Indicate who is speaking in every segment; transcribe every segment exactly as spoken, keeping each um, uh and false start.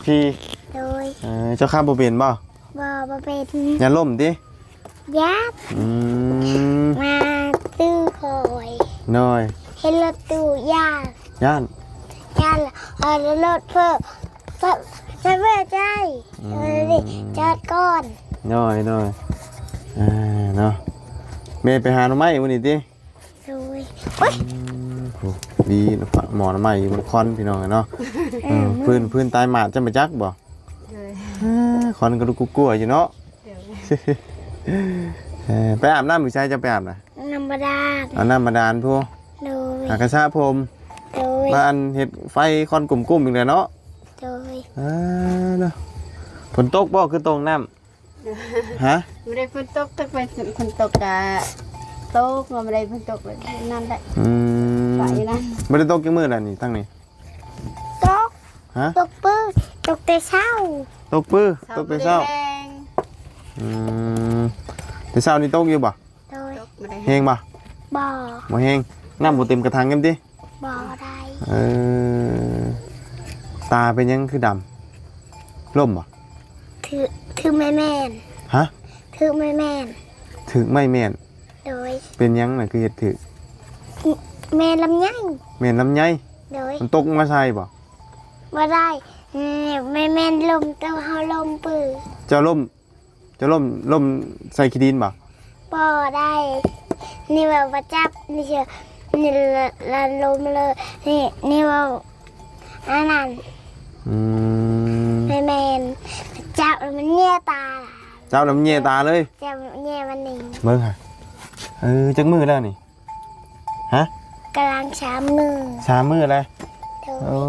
Speaker 1: ขี่
Speaker 2: โดย
Speaker 1: เออเจ้าข้าบ่เป็นบ่
Speaker 2: บ่บ่เป็น
Speaker 1: อย่าล้มติ
Speaker 2: ญาติ
Speaker 1: อืม
Speaker 2: มาตื้อคอย
Speaker 1: น้อย
Speaker 2: เห็นรถตู้ญาติ
Speaker 1: ย่าน
Speaker 2: ญาติเอารถเพิ่มเพิ่มจะเพื่อใจเออดิจอดก่อน
Speaker 1: น้อยน้อยอ่าเนาะแม่ไปหาหน่อไม้มื้อนี้ติ
Speaker 2: โดยโอ๊ย
Speaker 1: โหดีหมอหน่อไม้มันคอนพี่น้องเนาะเออพื้นพื้นตายหมาดจะมาจักบ่คอนก็ดูกลัวๆอยู่เนาะเออไปอาบน้ำหรือใช้จะไปอาบน่ะ
Speaker 2: น้ำบาดาล
Speaker 1: เอาน้ำบาดาลพวก
Speaker 2: โดย
Speaker 1: หากระชะพรม
Speaker 2: โดย
Speaker 1: บ้านเฮ็ดไฟคอนกลุ่มๆอีกแล้วเนาะ
Speaker 2: โดย
Speaker 1: อ่าเนาะฝนตกบ่คือตรงน้ำฮะ
Speaker 3: ไม่ได้ฝนตกถ้าเป็นฝนตกกะตกเราไม่ได้ฝนตกเลยนั่นแหละ
Speaker 1: อืม
Speaker 3: ไปนั่น
Speaker 1: ไม่ได้ตกกี่มื้อแล้วนี่ตั้งนี่
Speaker 2: ตก
Speaker 1: ฮะ
Speaker 2: ตกปื้อตกแต่เช้า
Speaker 1: ตกปื้อตกแต่เช้าอืมแต่เช้านี่ตกอยู่บ่
Speaker 2: โดย
Speaker 1: แห้งบ่
Speaker 2: บ่
Speaker 1: บ่แห้งน้ำบ่เต็มกระถางกันติ
Speaker 2: บ่ได้
Speaker 1: เออตาเป็นยังคือดำล่มบ่
Speaker 2: ถือถือไม่แม่น
Speaker 1: ฮะ
Speaker 2: ถือไม่แม่น
Speaker 1: ถึกไม่แม่น
Speaker 2: โดย
Speaker 1: เป็นยังน่ะคือเฮ็ดถึก
Speaker 2: แม่ลำไย
Speaker 1: แม่นลำไย
Speaker 2: โดย
Speaker 1: มันตกมาใส่บ่
Speaker 2: บ่ได้แม่แม่นลมเต้าเฮาลมปื้อ
Speaker 1: เจ้าล่มเจ้าล่มล่มใส่ขี้ดินบ่
Speaker 2: บ่ได้นี่ว่าบ่จับนี่เชื่อนี่ละลมเลยนี่นี่ว่าอันนั้น
Speaker 1: อืม
Speaker 2: แม่แม่นจับมันเงี่ยตา
Speaker 1: เจ้าน้ำเงี่ยตาเลย
Speaker 2: จับเงี่ยมันนี่
Speaker 1: เบิ่งค่ะเออจักมือแล้วนี่ฮะ
Speaker 2: กำลังสามมือ
Speaker 1: สามมือแล้วโอ้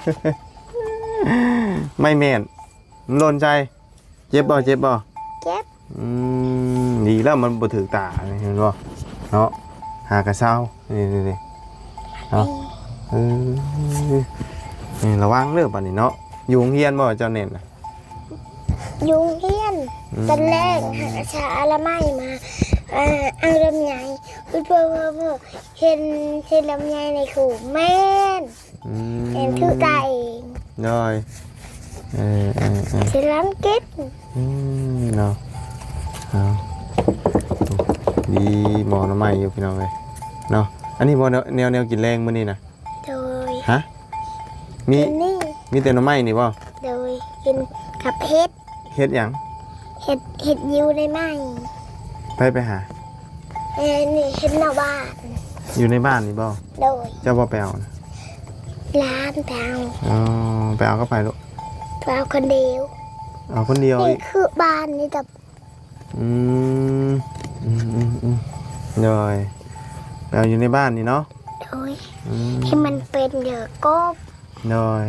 Speaker 1: ไม่แม่นมันโดนใจเจ็บบ่เจ็บบ่
Speaker 2: เจ็บ
Speaker 1: อืมดีแล้วมันบ่ถึกตาเห็นบ่เนาะหากระเซ้านี่ๆเนาะเออนี่ระวังเด้อบัดนี้เนาะอยู่โรงเรียนบ่เจ้าเน่นน่ะ
Speaker 2: ยุงเฮียนตอนแรกหาชาละไม้มาอ่าเอาลำไยเพื่อเพื่อเพื่อเห็นเห็นลำไยในขู่แม่นเห็นคือตาเอง
Speaker 1: น้อยเออเออเออ
Speaker 2: เห็นล้างเก็บ
Speaker 1: อืมเนาะเอาดีหมอน้ำใหม่อยู่พี่น้องเลยเนาะอันนี้บ่แนวแนวกินแรงมื้อนี้นะ
Speaker 2: โดย
Speaker 1: ฮะมีมีแต่น้ำใหม่นี่บ่
Speaker 2: โดยกินกับเห็ด
Speaker 1: เฮ็ดหยัง
Speaker 2: เห็ดเห็ดยิวได้ไหม
Speaker 1: ไปไปหา
Speaker 2: เอ้นี่เห็ดนอกบ้าน
Speaker 1: อยู่ในบ้านนี่บ่
Speaker 2: โดย
Speaker 1: เจ้าบ่ไปเอานะ
Speaker 2: ร้านไปเอา
Speaker 1: อ๋อไปเอาก็ไปลูก
Speaker 2: ไปเอาคนเดียว
Speaker 1: เอาคนเดียว
Speaker 2: นี่คือบ้านนี่แต่
Speaker 1: อืมอืมอืมอืมโดยไปเอาอยู่ในบ้านนี่เนาะ
Speaker 2: โดยที่มันเป็นเยอะก็
Speaker 1: โดย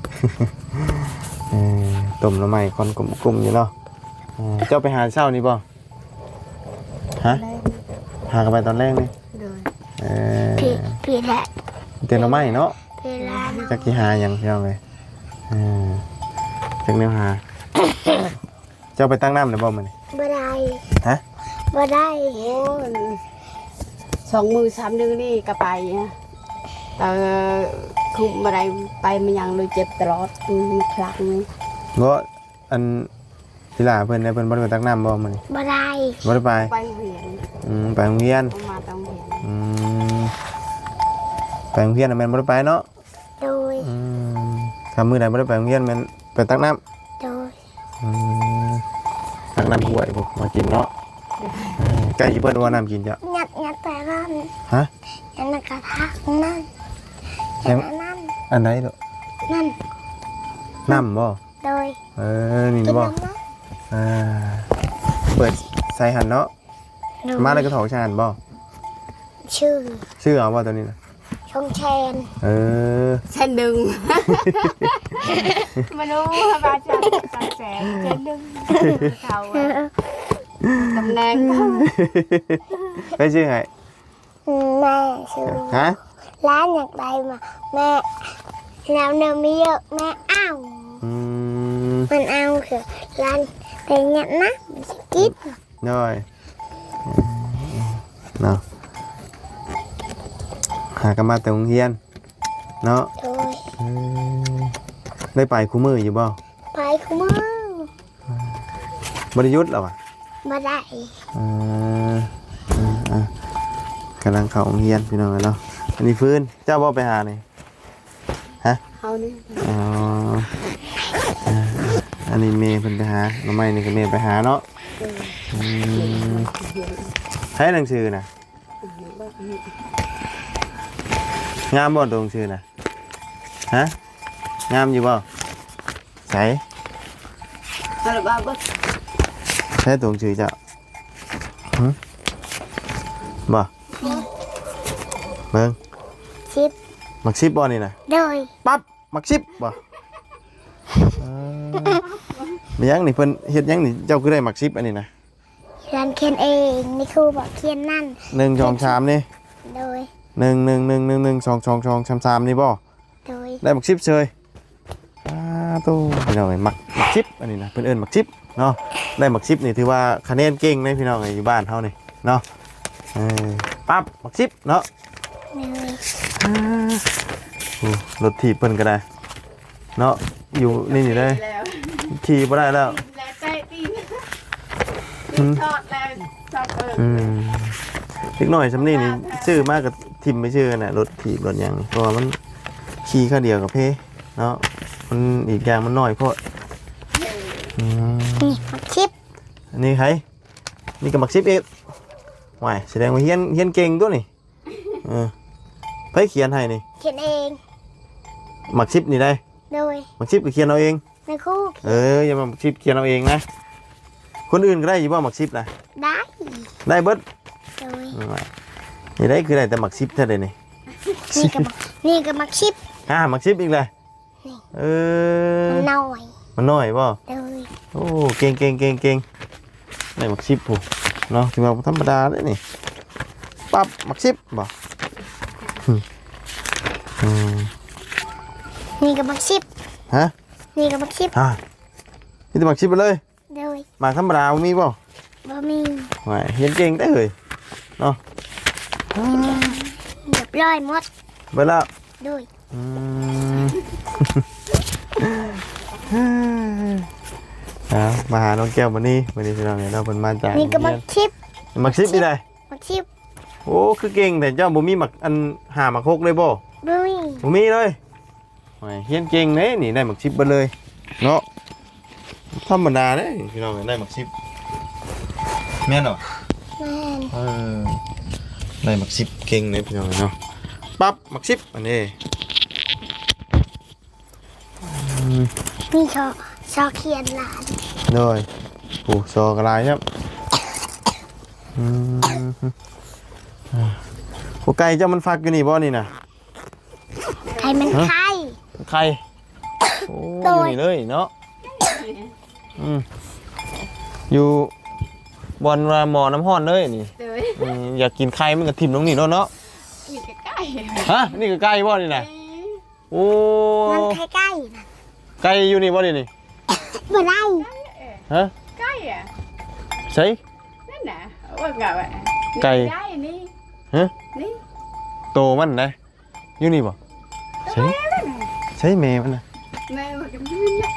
Speaker 1: ต้มน้ำใหม่คอนกลุ่มๆอยู่เนาะเจ้าไปหาเช้านี่บ่ฮะหากันไปตอนแรกนี่เออ
Speaker 2: พี่พี่แหละ
Speaker 1: เต็มน้ำใหม่เนาะ
Speaker 2: พี่แหละ
Speaker 1: จักกี่หายังเจ้าเลยเออจักแนวหาเจ้าไปตั้งน้ำหรือบ่มัน
Speaker 2: บ่ได้
Speaker 1: ฮะ
Speaker 2: บ่ได้
Speaker 3: โอ้สองมือสามนิ้วนี่ก็ไปนะแต่คุมอะไรไปมันยังเลยเจ็บตลอดครั้งนึง
Speaker 1: บ่อันทีหล่าเพิ่นได้เพิ่นบ่ได้ไปตักน้ำบ่มื้อนี้
Speaker 2: บ่ได้
Speaker 1: บ่ได้ไป
Speaker 3: ไปโรงเรียน
Speaker 1: อืมไปโรงเรียน
Speaker 3: มาไปโรงเรียน
Speaker 1: อืมไปโรงเรียนน่ะแม่นบ่ได้ไปเนาะ
Speaker 2: โดย
Speaker 1: อืมถ้ามื้อใดบ่ได้ไปโรงเรียนแม่นไปตักน้ำ
Speaker 2: โดย
Speaker 1: อืมตักน้ำห้วยพวกมากินเนาะใกล้สิเบิดว่าน้ำกินจ้ะ
Speaker 2: งัดงัดแต่นั่น
Speaker 1: ฮะ
Speaker 2: อันนั้นกระทะนั่นอันนั้น
Speaker 1: อันไหนลูก
Speaker 2: นั่น
Speaker 1: น้ำบ่
Speaker 2: โดย
Speaker 1: เออนี่บ่อ่าเปิดใส่หันเนาะมาแล้วก็ถอดชานบ่
Speaker 2: ชื่อ
Speaker 1: ชื่อเอาบ่ตัวนี้นะ
Speaker 2: ชงแชน
Speaker 1: เออ
Speaker 3: แชนดึงมาดูบาจันแสงแชนดึงเขาตำแหน่ง
Speaker 1: ไปชื่อไง
Speaker 2: แม่ชื่อ
Speaker 1: ฮะ
Speaker 2: ร้านอยากได้มาแม่น้ำเนื้อมีเยอะแม่อ้าวมันเอาคือร้านแต่เนี้ยนะมันจะกิน
Speaker 1: น้อยเนาะหากันมาแต่โรงเรียนเนาะได้ไปคู่มืออยู่บ่
Speaker 2: ไปคุมือบ
Speaker 1: ริยุทธ์หรอวะ
Speaker 2: มาได้
Speaker 1: อืมอืมอ่ะกำลังเข้าโรงเรียนพี่น้องเนาะอันนี้ฟื้นเจ้าบ่ไปหานี่ฮะ
Speaker 3: เอานี่
Speaker 1: อ๋ออ่าอันนี้เมย์เพิ่นไปหาน้องไม้นี่ก็เมย์ไปหาเนาะอืมให้หนังสือน่ะงามบ่ตัวหนังสือน่ะฮะงามอยู่บ่ใส่
Speaker 3: เอาละบ้าบ่
Speaker 1: ใช้ตัวหนังสือเจ้าหึบ่เบิ่ง
Speaker 2: ชิป
Speaker 1: มักซิบบ่นี่น่ะ
Speaker 2: โดย
Speaker 1: ปั๊บมักซิบบ่เออมีหยังนี่เพิ่นเฮ็ดหยังนี่เจ้าคือได้มักซิบอันนี้นะ
Speaker 2: เรียนเขียนเองนี่ครูบอกเขียนนั่น
Speaker 1: หนึ่ง สอง สามนี่
Speaker 2: โดย
Speaker 1: หนึ่ง หนึ่ง หนึ่ง หนึ่ง หนึ่ง สอง สอง สอง สาม สามนี่บ่
Speaker 2: โดย
Speaker 1: ได้มักซิบเฉยอ้าตู้พี่น้องเอ้ยมักมักซิบอันนี้นะเพิ่นเอิ้นมักซิบเนาะได้มักซิบนี่ถือว่าคะแนนเก่งเลยพี่น้องเอ้ยอยู่บ้านเฮานี่เนาะเออปั๊บมักซิบเนาะ
Speaker 2: โดย
Speaker 1: โอ้รถถีบเพิ่นก็ได้เนาะอยู่นี่นี่เลย
Speaker 3: แล้ว
Speaker 1: ขี่บ่ได้แล้ว
Speaker 3: แล้วใจตีนตีนชอดแล้วชอดเปิด
Speaker 1: อืมเล็กน้อยสำนี่นี่ชื่อมากกับทิมไม่ชื่อน่ะรถถีบรถหยังเพราะว่ามันขี่ข้าวเดียวกับเพเนาะมันอีกอย่างมันน้อยเพราะอืม
Speaker 2: นี่มาชิป
Speaker 1: อันนี้ใครนี่ก็มักซิบเอกว้ายแสดงว่าเฮียนเฮียนเก่งตัวนี่เออไผเขียนให้นี่
Speaker 2: เขียนเอง
Speaker 1: มักซิบนี่ได้
Speaker 2: โดย
Speaker 1: มักซิบก็เขียนเอาเอง
Speaker 2: ในครู
Speaker 1: เอออย่ามามักซิบเขียนเอาเองนะคนอื่นก็ได้อยู่บ่มักซิบนะ
Speaker 2: ได้
Speaker 1: ได้เบิด
Speaker 2: โดย
Speaker 1: อืมนี่ได้คือได้แต่มักซิบเท่าใดนี่
Speaker 2: นี่ก็บอกนี่ก็มาชิป
Speaker 1: อ่ามักซิบอีกเลย
Speaker 2: นี่
Speaker 1: เออ
Speaker 2: มันน้อย
Speaker 1: มันน้อยป่ะ
Speaker 2: โดย
Speaker 1: โอ้เก่งเก่งเก่งเก่งได้มักซิบผู้เนาะถือว่าธรรมดาเลยนี่ปั๊บมักซิบบ่อืมอืม
Speaker 2: นี่ก็มาชิป
Speaker 1: ฮะ
Speaker 2: นี่ก็มาชิป
Speaker 1: อ่านี่จะมักซิบไปเลย
Speaker 2: โดย
Speaker 1: หมากธรรมดาบ่มีป่ะ
Speaker 2: บะหมี่
Speaker 1: ไม่เห็นเก่งได้เลยเนาะ
Speaker 2: เรียบร้อยหมด
Speaker 1: เบิดแล้ว
Speaker 2: โดย
Speaker 1: อืม เอามาหาน้องแก้วมานี่วันนี้พี่น้องเนี่ยเราเป็นมาจาก
Speaker 2: นี่ก็มาชิป
Speaker 1: มักซิบนี่ได้
Speaker 2: มาชิป
Speaker 1: โอ้คือเก่งแต่เจ้าบ่มีหมักอันหาหมักฮกเลยบ่
Speaker 2: บะหมี่
Speaker 1: บ่มีเลยโอ้ยเฮียนเก่งเด้นี่ได้หมักซิบเบิดเลยเนาะธรรมดาเด้พี่น้องได้หมักซิบแม่นเหรอ
Speaker 2: แม่น
Speaker 1: เออได้หมักซิบเก่งเลยพี่น้องเนาะปั๊บหมักซิบอันนี้อืม
Speaker 2: นี่ชอชอเขียนหลาน
Speaker 1: เลยโอ้โซกระไรครับอืมอ่าโอ้ไก่เจ้ามันฟักอยู่นี่บ่นี่นะ
Speaker 2: ใครมันไข่
Speaker 1: ไข่โอ้
Speaker 2: โด
Speaker 1: อย ยู่นี่เลยเนาะอืมอยู่บอนว่าหมอน้ำห้อนเลยนี่
Speaker 3: เดี๋ยว
Speaker 1: อืมอยากกินไข่มันก็ทิ่มลงนี่เนาะเนาะ
Speaker 3: มีใกล้
Speaker 1: ฮะนี่ก็ไก่บ่นี่นะโอ้
Speaker 2: มันไข่ไก่นะ
Speaker 1: ไก่อยู่นี่บ่นี่นี่
Speaker 2: บ่ได้
Speaker 1: ฮะ
Speaker 3: ใกล้อ่ะ
Speaker 1: ใช่
Speaker 3: นั่นน่ะว่าไงวะ
Speaker 1: ไก่
Speaker 3: ใกล้นี่
Speaker 1: ฮะ
Speaker 3: นี่
Speaker 1: โตมันนะอยู่นี่บ่ใช่ใช่แม่มันนะ
Speaker 3: แม่มันก็ยืนนะ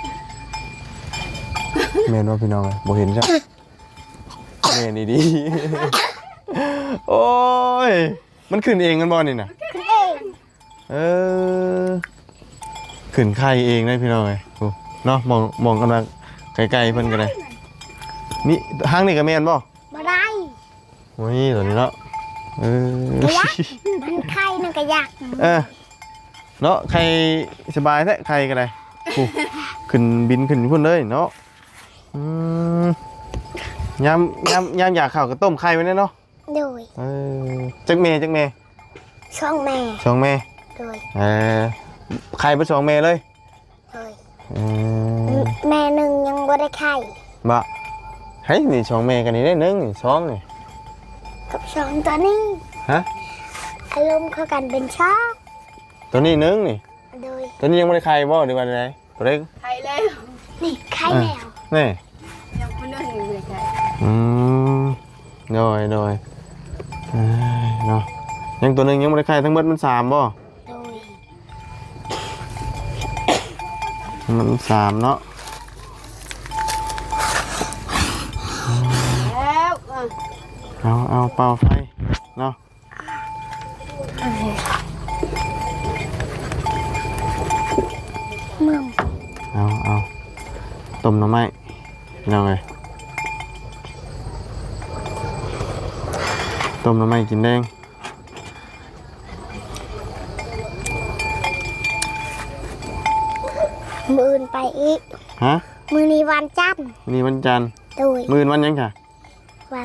Speaker 1: แม่นว่าพี่น้องเลยบ่เห็นจ้ะแม่นี่ดี โอ้ยมันขึ้นเองกันบ่นี่น่ะ
Speaker 2: ขึ้นเอง
Speaker 1: เออขึ้นไข่เองเลยพี่น้องเลยโอ้เนาะมองมองกำลังไกลๆเพิ่นกันเลยนี่ห้างนี่ก็แม่นบ่
Speaker 2: บ่ได้
Speaker 1: โอ้ยตัวนี้เนาะเออ
Speaker 2: กระยักมันไข่นั่นกระยัก
Speaker 1: เออเนาะไข่สบายแท้ไข่ก็ได้โอ้ขึ้นบินขึ้นพุ่นเลยเนาะอืมยามยามยามอยากข้าวก็ต้มไข่ไว้เนาะ
Speaker 2: โดย
Speaker 1: เออจักเมจักเม
Speaker 2: ช่องแม่
Speaker 1: สองเม
Speaker 2: โดย
Speaker 1: เออไข่ไปสองเมเลย
Speaker 2: โดย
Speaker 1: เออ
Speaker 2: แม่หนึ่งยังบ่ได้ไข่
Speaker 1: บะเฮ้ยนี่สองเมกันนี่ได้หนึ่งนี่สองนี่
Speaker 2: กับสองตัวนี้
Speaker 1: ฮะ
Speaker 2: อารมณ์เข้ากันเป็นช่อง
Speaker 1: ตัวนี้หนึ่งนี่
Speaker 2: โดย
Speaker 1: ตัวนี้ยังไม่ได้ไข่บ่หรือว่าอะไรตัวเล็ก
Speaker 3: ใครแล้ว
Speaker 2: นี่ไข่แล้ว
Speaker 1: นี่
Speaker 3: ยังไม่นึ่งเลยใคร
Speaker 1: อืมโดยโดยเอ้ยเนาะยังตัวหนึ่งยังไม่ได้ไข่ทั้งหมดมันสามบ่
Speaker 2: โดย
Speaker 1: มันสามเนาะเอาเอาเป่าไฟเนาะ
Speaker 2: มึง
Speaker 1: เอาเอาต้มหน่อไม้ยังไงต้มหน่อไม้กินแดง
Speaker 2: มืออื่นไปอีก
Speaker 1: ฮะ
Speaker 2: มือนี้วันจันทร์
Speaker 1: วันนี้วันจันทร์
Speaker 2: โดย
Speaker 1: มื้อวันหยังค่ะ
Speaker 2: วัน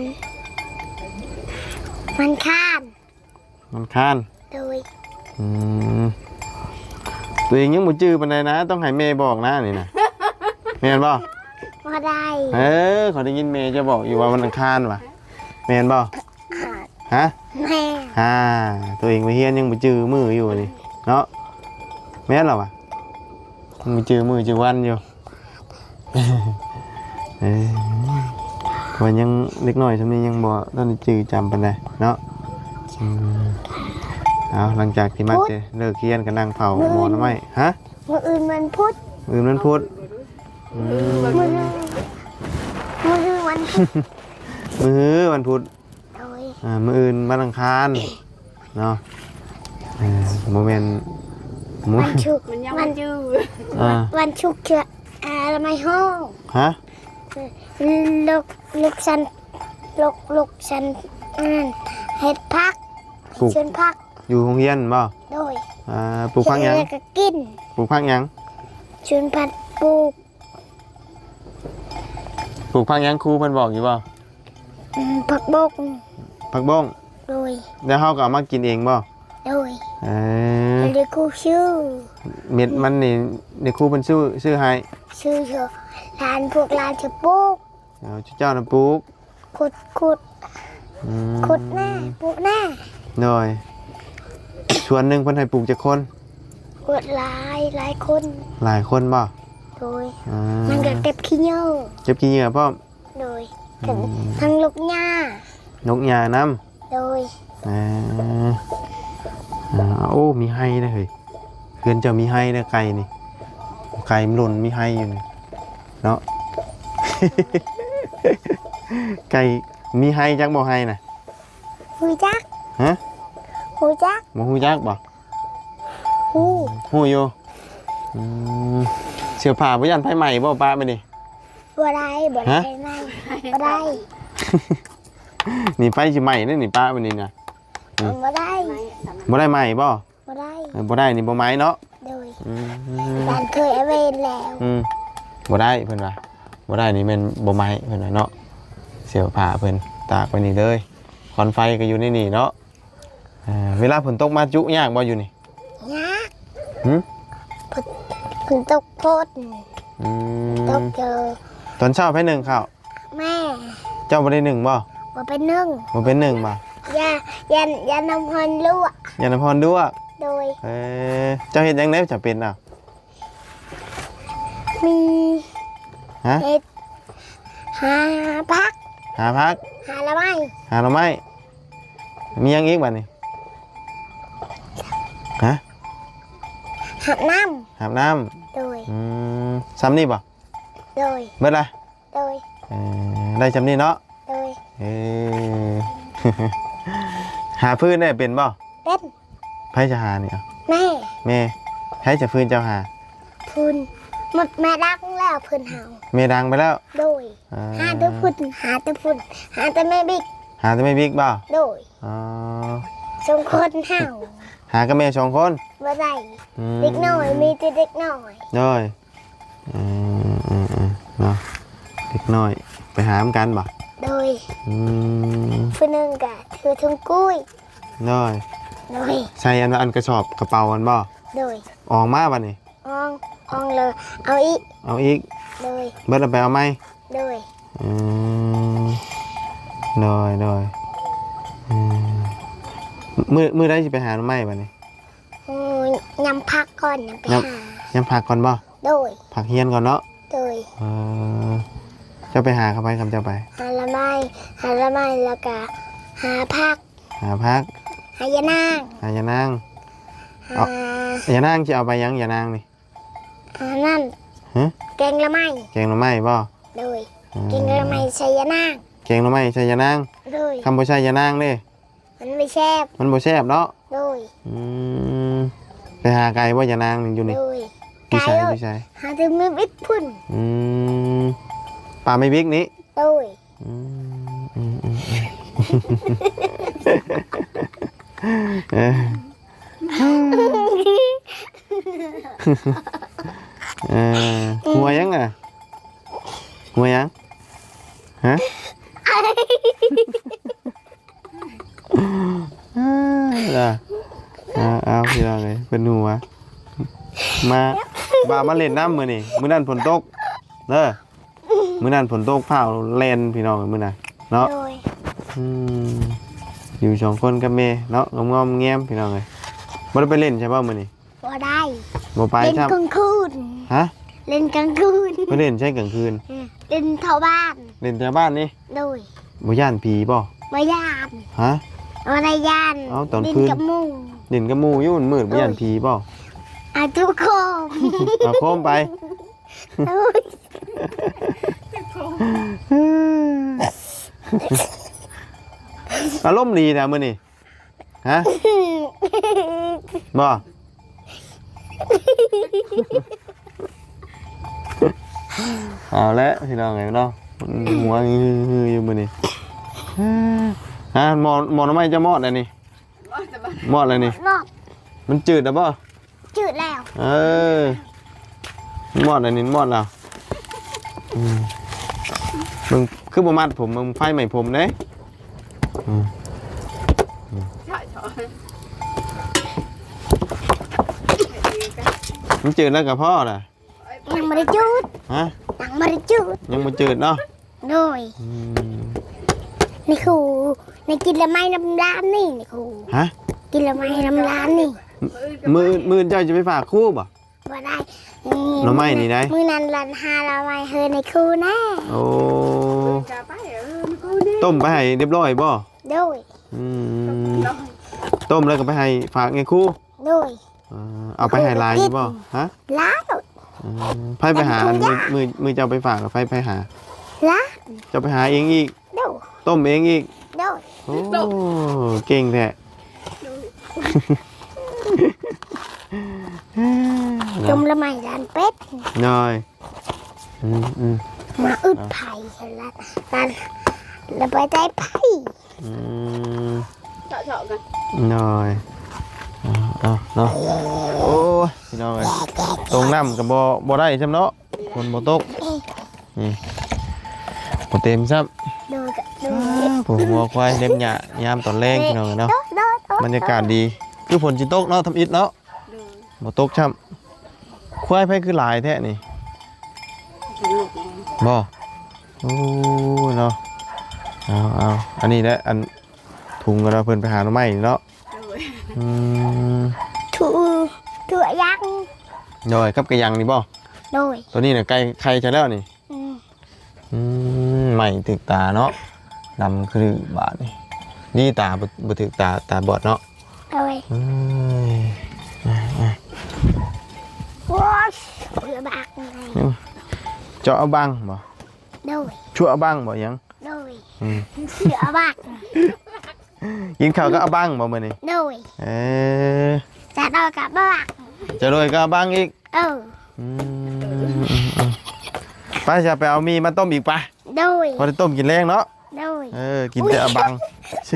Speaker 2: วันข้าน
Speaker 1: วันค้าน
Speaker 2: โดย
Speaker 1: อืมตัวเองยังบ่จื้อปานใดนะ ต้องให้แม่บอกนะนี่นะแม่นบ่
Speaker 2: มาได้
Speaker 1: เออขอได้ยินแม่จะบอกอยู่ว่าวันอังคารว่ะแม่นบ่
Speaker 2: ขาด
Speaker 1: ฮะ
Speaker 2: แม่
Speaker 1: ฮ่าตัวเองไปเฮียนยังบ่จื้อมืออยู่นี่เนาะแม่นเหรอวะยังบ่จื้อมือจื้อวันอยู่ เออว่ายังเล็กน้อยซำนี้ยังบ่ตอนนี้จื้อจำปานใดเนาะอืมเอาหลังจากที่มาเจอเลิกเรียนก็นั่งเผาหมอน้ำไม้ฮะ
Speaker 2: มืออื่นมันพุธ
Speaker 1: อื่นมันพุธอืม
Speaker 2: มือมืออื่นวันพุธ
Speaker 1: มื้อวันพุธ
Speaker 2: โดย
Speaker 1: อ่ามื้ออื่นวันอังคารเนาะเออโมเมนต์มื้อ
Speaker 2: วันชุก
Speaker 3: มันยัง
Speaker 2: วั
Speaker 3: มัน นยืด
Speaker 1: อ่า
Speaker 2: วันชุกเชื่ออะไรไม่ห้อง
Speaker 1: ฮะ
Speaker 2: ลูกลูกฉันลูกลูกฉันอ่านเห็ดพัก
Speaker 1: ปลูก
Speaker 2: ชวนพัก
Speaker 1: อยู่โรงเรียนบ่
Speaker 2: โดย
Speaker 1: อ่าปลูกพักหยัง
Speaker 2: เฮ็ดแล้วก็กิน
Speaker 1: ปลูกพักหยัง
Speaker 2: ชวนพัดปลูก
Speaker 1: ปลูกพักหยังครูเพิ่นบอกอยู่บ่
Speaker 2: อืมผักบก
Speaker 1: ผักบ้ง
Speaker 2: โดย
Speaker 1: แล้วเฮาก็เอามากินเองบ่
Speaker 2: โดย
Speaker 1: เออ
Speaker 2: เรียกครูชื่อ
Speaker 1: เม็ดมันนี่เดี๋ยวครูเพิ่นซื้อซื้อให้
Speaker 2: ชื่อเถอะลานพวกลานจะปลูก
Speaker 1: เอาเจ้าน่ะปลูก
Speaker 2: ขุดขุด
Speaker 1: อืม
Speaker 2: ขุดหน้าปลูกหน้า
Speaker 1: หน่อยส่วนหนึงเพิ่นให้ปลูกจักคน
Speaker 2: ขุดหลายหลายคน
Speaker 1: หลายคนบ่
Speaker 2: โดย
Speaker 1: อ่า
Speaker 2: มันก็เก็บขี้เหงื่อ
Speaker 1: เก็บขี้เหงื่อพร้อม
Speaker 2: โดยทั้งทั้งลูกหญ้าน
Speaker 1: กหญ้านำ
Speaker 2: โดย
Speaker 1: อ่าอ่าโอ้ มีไห้นะเฮ้ยเพื่อนเจะมีไห้นะไก่นี่ ไก่มันหล่นมีไห้อยู่นี่เนาะ ไก่มีไห้จักบ่ไห้น่ะ
Speaker 2: หูจัก
Speaker 1: ฮะ
Speaker 2: หูจัก
Speaker 1: บ่ฮู้จักบ่
Speaker 2: หู
Speaker 1: ฮู้อยู่อืมเสื้อผ้าบ่ยันไผใหม่บ่ป้าไปนี่
Speaker 2: บ่ได้บ่ได้
Speaker 1: ฮะ
Speaker 2: ไม่บ่ได้
Speaker 1: นี่ไฟสิใหม่เด้อนี่ป้าไปนี่น่ะ อืม
Speaker 2: บ่ได้
Speaker 1: บ่ได้ใหม่บ่
Speaker 2: บ่ได้
Speaker 1: เออบ่ได้นี่บ่ไหม้เนาะ
Speaker 2: โดย
Speaker 1: อืม
Speaker 2: บ้านเคยเอาเวนแล้ว
Speaker 1: อืมบ่ได้เพิ่นว่าบ่ได้นี่แม่นบ่ไหม้เพิ่นว่าเนาะเสื้อผ้าเพิ่นตากไว้นี่เลยควันไฟก็อยู่ในนี่เนาะอ่าเวลาฝนตกมาจุยากบ่อยู่นี่
Speaker 2: ยาก
Speaker 1: หึ
Speaker 2: ฝนตกโพด
Speaker 1: อื
Speaker 2: ต
Speaker 1: ม
Speaker 2: กเจอ
Speaker 1: ตอนเช้าไปหนึ่งข้าว
Speaker 2: แม่
Speaker 1: เจ้าบ่ได้หนึ่งบ่
Speaker 2: บ่เป็นนึ่ง
Speaker 1: บ่เป็นหนึ่งบ่
Speaker 2: ยายันยันน้ำพันลวก
Speaker 1: ยานพรด้วย
Speaker 2: โดย
Speaker 1: เออเจ้าเฮ็ดจังได๋จะเป็นอ่ะ
Speaker 2: มี
Speaker 1: ฮะ
Speaker 2: เห็ดหาพัก
Speaker 1: หาพัก
Speaker 2: หาละไม้
Speaker 1: หาหน่อไม้มีหยังอีกบัดนี้ฮะ
Speaker 2: หาน้
Speaker 1: อาบน้ำ
Speaker 2: ำโดย
Speaker 1: อืมซ้ำนี่บ่
Speaker 2: โดย
Speaker 1: เบิดละ
Speaker 2: โดย
Speaker 1: เออได้ซ้ำนี่เนาะ
Speaker 2: โดย
Speaker 1: เออ หาพื้นได้เป็นบ่
Speaker 2: เป็น
Speaker 1: ไผจะหานี่อ่ะ
Speaker 2: แม่
Speaker 1: แม่ไผจะพื้นเจ้าหา
Speaker 2: พุนหมดแม่รักแล้วเพื้นเฮา
Speaker 1: แม่ดังไปแล้ว
Speaker 2: โดย
Speaker 1: อ่
Speaker 2: หาแต่พุนหาแต่พุนหาแต่แม่บิ๊ก
Speaker 1: หาแต่ไม่บิ๊กบ่
Speaker 2: โดย
Speaker 1: อ๋อ
Speaker 2: สองคนเฮา
Speaker 1: หากับแม่สองคน
Speaker 2: บ่ได้
Speaker 1: อืม
Speaker 2: เด็กน้อยมีแต่เด็กน้อย
Speaker 1: น้อยอืมอืมอืมเนาะเด็กน้อย ไปหามนกันบ่
Speaker 2: โดย
Speaker 1: อืม
Speaker 2: ผู้หนึงก็ถือถุงกุ้ย
Speaker 1: น้อย
Speaker 2: โดย
Speaker 1: ใส่อันอันกระสอบกระเป๋ากันบ่
Speaker 2: โดย
Speaker 1: ออกมาบัดนี้
Speaker 2: อองอองเลยเอาอีก
Speaker 1: เอาอีก
Speaker 2: โดย
Speaker 1: เบิดเอาไปเอาไหม
Speaker 2: โดย
Speaker 1: อืมน้อยน้อยอืมมือมือได้สิไปหาหน่อไม้บัดนี้
Speaker 2: อืมยำพักก่อนยำไป
Speaker 1: ย
Speaker 2: หา
Speaker 1: ยังพักก่อนบ่
Speaker 2: โดย
Speaker 1: พักเฮียนก่อนเนาะ
Speaker 2: โดย
Speaker 1: เออเจ้าไปหาเขาไปคำเจ้าไป
Speaker 2: หาละไม้หาละไม้แล้วก็หาพัก
Speaker 1: หาพัก
Speaker 2: หายานาง
Speaker 1: หายานาง
Speaker 2: หา
Speaker 1: อย่านางจะเอาไปยังอย่านางนี่
Speaker 2: หานั่น
Speaker 1: ฮะ
Speaker 2: แกงละไม้
Speaker 1: แกงหน่อไม้บ่
Speaker 2: โดย
Speaker 1: อืม
Speaker 2: แกงละไม้ใส่ยานาง
Speaker 1: แกงหน่อไม้ใส่ยานาง
Speaker 2: โดย
Speaker 1: คำบ่ใส่ยานางเด้
Speaker 2: มันไม่แซ่บ
Speaker 1: มันบ่แซ่บเนาะ
Speaker 2: โดย
Speaker 1: อืมไปหาไก่บ่ยานางนี่อยู่นี่
Speaker 2: โดย
Speaker 1: พี่
Speaker 2: ไก่
Speaker 1: ชาย
Speaker 2: โดย
Speaker 1: พี่ชาย
Speaker 2: หาถึงมือบิดพุ่น
Speaker 1: อืมปลาไม่บิ๊กนี้
Speaker 2: โดย
Speaker 1: อืมอืมอืมอืมเอ้ยเออหัวยังอ่ะหัวยังฮะอ่าเอาเอาพี่น้องเลยเป็นหัวมาบ่ามาเล่นน้ำมือนี่มื้อนั้นฝนตกเด้อมื้อนั้นฝนตกผ้าเล่นพี่น้องมื้อน่ะเนาะ
Speaker 2: โดย
Speaker 1: อืมอยู่สองคนกับเมย์เนาะงอมๆแง้มพี่น้องเลยบ่ได้ไปเล่นใช่ป่ะมื้อนี้
Speaker 2: บ่ได้
Speaker 1: บ่ไป
Speaker 2: เล่น
Speaker 1: ครับ
Speaker 2: กลางคืน
Speaker 1: ฮะ
Speaker 2: เล่นกลางคืน
Speaker 1: ไปเล่นใช่กลางคืน
Speaker 2: เล่นเท่าบ้าน
Speaker 1: เล่นแถวบ้านนี่
Speaker 2: โดย
Speaker 1: บ่ย่านผีป่ะ
Speaker 2: มาย่าน
Speaker 1: ฮะ
Speaker 2: มาในย่าน
Speaker 1: เอาตอน
Speaker 2: ดิน
Speaker 1: คืน
Speaker 2: กับมุง
Speaker 1: เล่นกับหมู่อยู่มันมืดบ่ย่านผีป่ะ
Speaker 2: อาทุกคน
Speaker 1: เอาโคมไป
Speaker 2: โอ้ย
Speaker 1: อารมณ์ดีนะมื้อนี้ฮะบ่เอาละพี่น้องไงเนาะหัวฮือๆอยู่มื้อนี้ฮะหมอหมอทำไมจะมอดอันนี้มอดอะไรนี่
Speaker 2: นอก
Speaker 1: มันจืดอ่ะป่ะ
Speaker 2: จืดแล้ว
Speaker 1: เออมอดอันนี้มอดแล้วอืมมึงคือบ่มัดผมมึงไฟใหม่ผมเด้อืม
Speaker 3: ใช่ใช่
Speaker 1: มันจืดแล้วกับพ่อน่ะ
Speaker 2: ยังไม่ได้จืด
Speaker 1: ฮะ
Speaker 2: ยังไม่ได้จืด
Speaker 1: ยังบ่จืดเนาะ
Speaker 2: โดย
Speaker 1: อืม
Speaker 2: นี่ครูในกินละไม้น้ำร้านนี่นี่ครู
Speaker 1: ฮะ
Speaker 2: กินละไม้น้ำร้านนี่
Speaker 1: มือมือเจ้าจะไปฝากครู่บ่
Speaker 2: บ่ได้
Speaker 1: หน่อไม้นี่ได้
Speaker 2: มือนั้นรันหาละไม้เฮอในครูแน่
Speaker 1: โอ้
Speaker 3: จะไปเออกูนี่
Speaker 1: ต้มไปให้เรียบร้อยบ่
Speaker 2: โดย
Speaker 1: อืมต้มแล้วก็ไปให้ฝากไงครู่
Speaker 2: โดย
Speaker 1: อ่าเอาไปให้ลายนี่บ่ฮะ
Speaker 2: ล้าง
Speaker 1: อืมไผไปหามือมือมือเจ้าไปฝากกับไผไปหา
Speaker 2: ล้าง
Speaker 1: เจ้าไปหาเองอีก
Speaker 2: โดย
Speaker 1: ต้มเองอีก
Speaker 2: โดย
Speaker 1: โอ้เก่งแท้
Speaker 2: จมละไม้ร้านเป็ด
Speaker 1: น้อยอืมอืม
Speaker 2: มาอึดไผ่ละนั่นแล้วไปใจไผ่
Speaker 1: อืม
Speaker 3: เจาะเจาะกัน
Speaker 1: น้อยเอาเอาเนาะโอ้ยพี่น้องเอ้ยตรงน้ำกับบ่บ่ได้จำเนาะคนบ่ตกนี่บ่เต็มซ้ำ
Speaker 2: โดยกับโดย
Speaker 1: ผมหัวควายเล็บหยายามตอนแรงพี่น้องเอ้ยเนาะ
Speaker 2: โดยโดยโดย
Speaker 1: บรรยากาศดีคือฝนสิตกเนาะทำอิฐเนาะ
Speaker 3: เดิน
Speaker 1: บ่ตกช้ำควายไผคือหลายแท้นี่
Speaker 3: สนุกเลย
Speaker 1: บ่โอ้ยเนาะเอาเอาอันนี้แหละอันถุงก็เราเพิ่นไปหาหน่อไม้นี่เนาะ
Speaker 3: โดย
Speaker 1: อืม
Speaker 2: ถูถั่วยักษ์
Speaker 1: ย่อยกับกระยังนี่บ่
Speaker 2: โดย
Speaker 1: ตัวนี้น่ะไก่ไข่จะแล้วนี่
Speaker 2: อืม
Speaker 1: อืมใหม่ถึกตาเนาะดำคือบาดนี่นี่ตาบ่บ่ถึกตาตาบอดเนาะ
Speaker 2: โดย
Speaker 1: เอ้ย
Speaker 2: ว้าวเพื่อบักไง
Speaker 1: เจาะเอาบังบ่
Speaker 2: โดย
Speaker 1: ชั่วเอาบังบ่หยัง
Speaker 2: โดย
Speaker 1: อืม
Speaker 2: เสือบัก
Speaker 1: กินข้าวก็เอาบังบ่มื้อนี้
Speaker 2: โดย
Speaker 1: เอ้ย
Speaker 2: จะโดยกับบัก
Speaker 1: จะรวยก็เอาบังอีก
Speaker 2: เออ
Speaker 1: อืมไปจะไปเอามีมาต้มอีกปะ
Speaker 2: โดย
Speaker 1: พอได้ต้มกินแรงเนาะ
Speaker 2: โดย
Speaker 1: เออกินแต่เอาบังชิ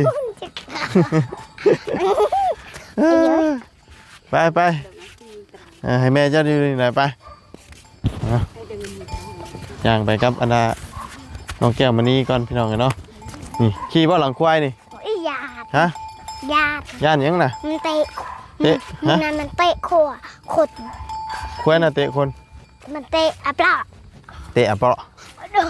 Speaker 1: ไปไปเออให้แม่เจ้าดูหน่อยไปเอาย่างไปครับอันดาน้องแก้วมานี่ก่อนพี่น้องกันเนาะนี่ขี่บ่หลังควายนี่
Speaker 2: อีหยาด
Speaker 1: ฮะ
Speaker 2: หยาด
Speaker 1: ย่านหยังน่ะ
Speaker 2: มันเตะ
Speaker 1: เตะ
Speaker 2: มั
Speaker 1: ฮะ
Speaker 2: นนั่นมันเตะขัวขด
Speaker 1: ควายน่ะเตะคน
Speaker 2: มันเตะอัปลา
Speaker 1: เตะอ่ะเปาะ
Speaker 2: โดย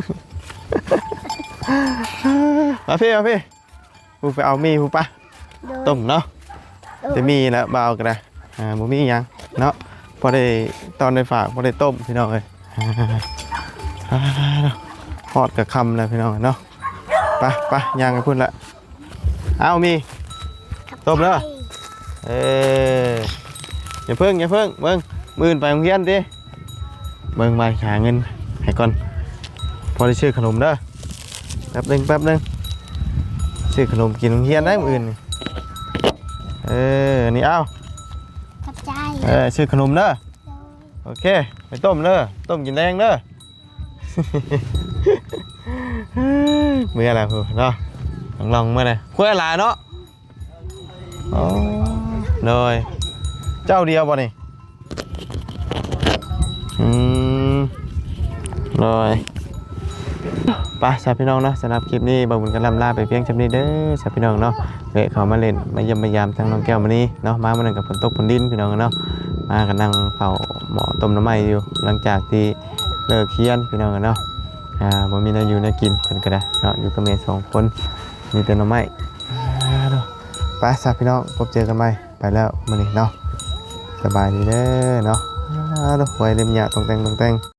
Speaker 1: มาพี่มาพี่ผู้ไปเอามีผู้ปะ
Speaker 2: โดย
Speaker 1: ต้มเนาะ
Speaker 2: โดย
Speaker 1: จะมีแล้วเบากันนะอ่าบ่มีหยังเนาะพอได้ตอนได้ฝากพอได้ต้มพี่น้องเอ้ยอ่าทอดกับคำเลยพี่น้องเนาะไปไปย่างกันพุ่นละเอามีต้มแล้วเอออย่าเพิ่งอย่าเพิ่งเบิ่งมื้อนไปโรงเรียนดิเบิ่งไปหาเงินให้ก่อนพอได้ซื้อขนมเด้อแป๊บหนึงแป๊บหนึงซื้อขนมกินโรงเรียนได้มื้ออื่นนี่เออนี่เอา
Speaker 2: ขอบใจ
Speaker 1: เออซื้อขนมเด้อโอเคไปต้มเด้อต้มกินแดงเด้อ เมื่อไรพูเนาะลองลองเมื่อไรคุยอะไรเนาะอ๋อเลยเจ้าเดียวบ่นี่อืมเลยไปสาวพี่น้องเนาะสำหรับคลิปนี้บ่าวบุญกันลำลาไปเพียงจำนี้เด้อสาวพี่น้องเนาะเวะเขามาเล่นมาเยี่ยมมายามทั้งน้องแก้วมานี่เนาะมาเมื่อนั้นกับฝนตกฝนดินพี่น้องเนาะมากันนั่งเฝ้าหมอต้มน้ำไหม้อยู่หลังจากที่เลิกเคียนพี่น้องกันเนาะอ่าบ่มีน้าอยู่น้ากินเพิ่นก็ได้เนาะอยู่กับแม่สองคนมีแต่น้ำไหม้ไปสาวพี่น้องพบเจอกันใหม่ไปแล้วมื้อนี้เนาะสบายดีเด้อเนาะอ่าดอกไว้เล่มหญ้าตรงแต่งตรงแต่ง